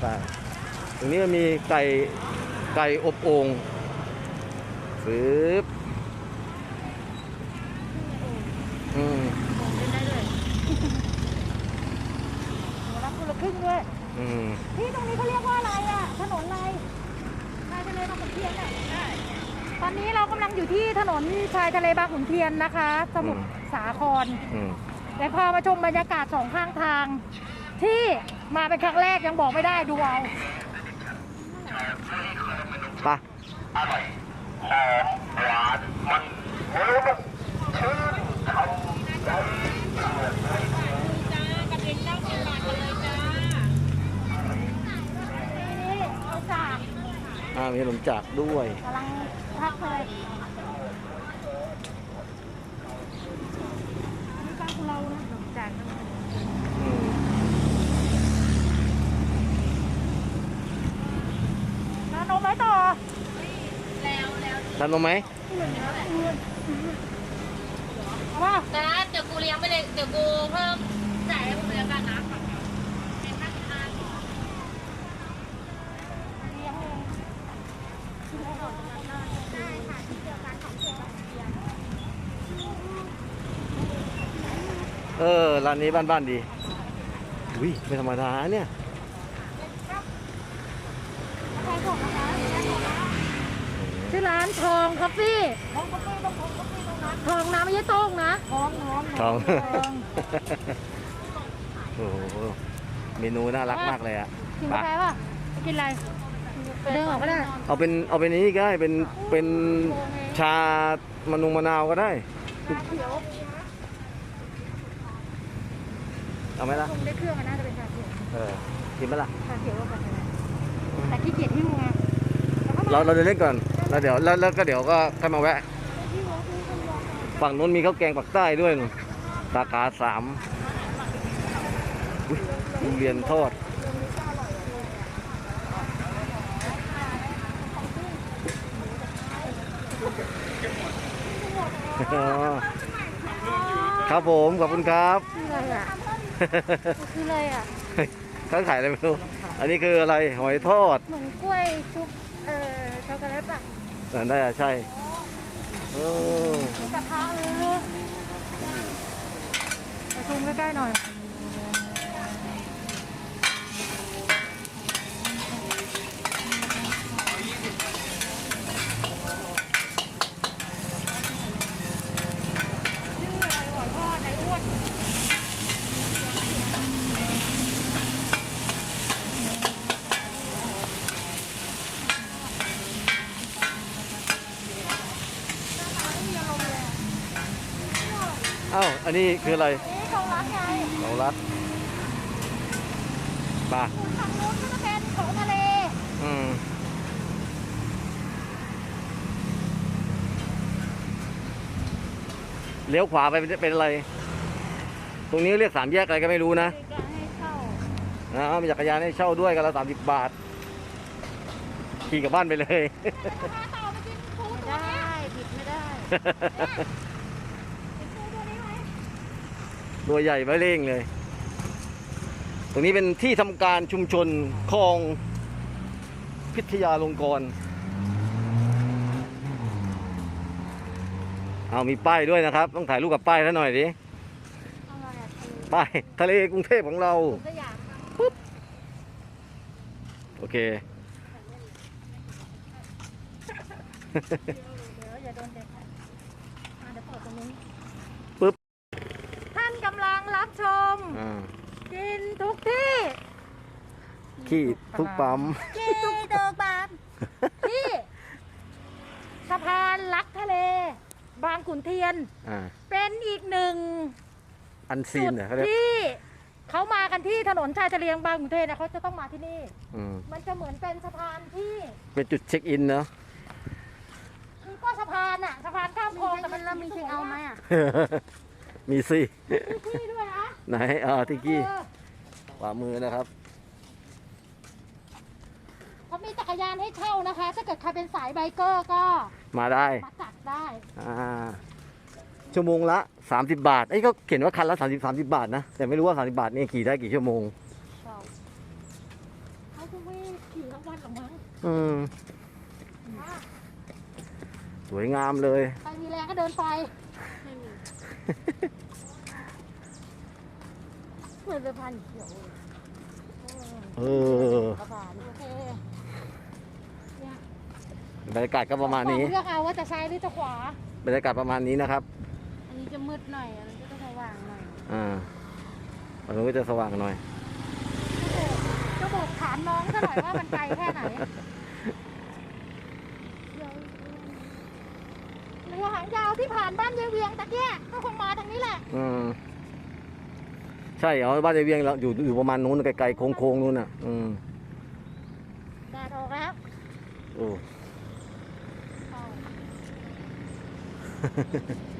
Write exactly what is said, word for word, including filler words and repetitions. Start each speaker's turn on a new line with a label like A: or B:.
A: ไปตรงนี้มันมีไก่ไก่อบโอ่งฟืบอืม
B: เป็นได้เลยรับคนละครึ่งด้วย
A: อืม
B: ที่ตรงนี้เขาเรียกว่าอะไรอ่ะถนนอะไรชายทะเลบางขุนเทียนอ่ะตอนนี้เรากำลังอยู่ที่ถนนชายทะเลบางขุนเทียนนะคะสมุทรสาครแต่พามาชมบรรยากาศสองข้างทางที่มาเป็นครั้งแรกยังบอกไม่ได้ดูเอา
A: ไป
C: อร่อยหอมหวานมันโอ้โหชื่นคำใจจ้ากระเทียมเจ้าสิบบาทกันเลยจ้า
B: นี่เอาจาก
A: อ่ามีขนมจากด้วย
B: กำลังพักเลยนี่บ้านของเรานะขนมจากน้านมไหมต่อ
D: แล้วแล้ว
A: ทานนมไหม
B: ว่า
D: นะเดี๋ยวกูเลี้ยงไปเลยเดี๋ยวกูเพิ่มจ่ายให้มึงเลี้ยงกันนะเป็นห้าสิบห้า
B: เลี้ยงเองได้ค่ะที่เดียวกันของเชียงราย
A: เออร้านนี้บ้านๆดีอุ้ยไม่ธรรมดาเนี่ย
B: ชื่อร้านทองคาเฟ่ทองคาเฟ่ต้องทองคาเฟ่ตรงนั้นทองน้ำไม่ใช่โต้งนะทองทอง
A: ทองโอ้โหเมนูน่ารักมากเลยอ่ะ
B: กินกาแฟป่ะกินอะไรเดินออกก็ได้
A: เอาเป็นเอาเป็นนี้ก็ได้เป็นเป็นชามะนุงมะนาวก็ได้เอาไหมล่ะ
B: คงได้เครื่องมันน่าจะเป็นชาเขียว
A: เออกินไหมล่ะ
B: ชาเขียวก็กาแฟแต่ขี้เกียจหิ้วไง
A: เราเราจะเล่นก่อนแล้วเดี๋ยวแล้วแล้วก็เดี๋ยวก็ค่อยมาแวะฝั่งนู้นมีข้าวแกงปักใต้ด้วยนู่นสาขาสามทุเรียนทอดครับผมขอบคุณครับ
B: คืออะไรอ่ะคืออะไรอ่ะ
A: เขาขายอะไรไม่รู้อันนี้คืออะไรหอยทอด
B: เหมือนกล้วยชุบเอ่อช็อกโกแลตป่ะ
A: ได้ใช่เอ
B: อกระทะเลยไปซูมใกล้ๆหน่อย
A: อ้าวอันนี้คืออะไร
B: นี่ของรัดไง
A: ของรัดป่ะ
B: ฝั่งนู้นก็จะเป็นของทะเล
A: อืมเลี้ยวขวาไปเป็นอะไรตรงนี้เรียกสามแยกอะไรก็ไม่รู้นะนะมีจักรยานให้เช่าด้วยกันละสามสิบบาทขี่กลับบ้านไปเลย
B: ไม่ได้ผิดไม่ได้
A: ตัวใหญ่ไม่เร่งเลย ตรงนี้เป็นที่ทำการชุมชนคลองพิทยาลงกรณ์เอามีป้ายด้วยนะครับต้องถ่ายรูปกับป้ายแล้วหน่อยดิป้ายทะเลกรุงเทพของเราปุ๊บโอเคปุ๊บ
B: ท่านกำลังรับชมกินทุกที่
A: ขี้ทุกปั๊ม
B: ขี้ทุกปั๊มที่สะพานลักทะเลบางขุนเทียนเป็นอีกหนึ่ง
A: อันซีน
B: ที่เขามากันที่ถนนชายทะเลบางขุนเทียนนะเขาจะต้องมาที่นี่มันจะเหมือนเป็นสะพานที่
A: เป็นจุดเช็คอินเนาะ
B: คือก็สะพานอะสะพานข้ามคลองแต่มันมีเช็คเอาท์ไหมอะ
A: มีสิ
B: ที่ด้วยนะ
A: ไหนอ่าที่กี้ขวามือนะครับ
B: เขามีจักรยานให้เช่านะคะถ้าเกิดใครเป็นสายไบเกอร์ก็
A: มาได้
B: มาจัดได้
A: อ่าชั่วโมงละสามสิบบาทไอ้ก็เขียนว่าคันละสามสิบสามสิบบาทนะแต่ไม่รู้ว่าสามสิบบาทนี่ขี่ได้กี่ชั่วโมง
B: เขาคุ้ม
A: อืมสวยงามเลย
B: ใครมีแรงก็เดินไป
D: ไม่มีเหมือนสะพานเขียวเลย
A: เออ
B: สะพานโอเคเนี่ย
A: บรรยากาศก็ประมาณนี้
B: เลือกเอาว่าจะซ้ายหรือจะขวา
A: บรรยากาศประมาณนี้นะครับ
D: อันนี้จะมืดหน่อย อันนี้ก็จะสว่างหน่อย
A: อ่าอันนี้ก็จะสว่างหน่อย
B: จะบอกถามน้องซะหน่อยว่ามันไกลแค่ไหนเรือหางยาวที่ผ่านบ้านยายเวียงตะเกียก็คงมาทางนี้แหละ
A: อืมใช่เหรอบ้านยายเวียงเราอยู่อยู่ประมาณนู้นไกลๆโค้งๆนู้นน่ะ อืม
B: แดดออกแล้ว
A: โอ้
B: เอา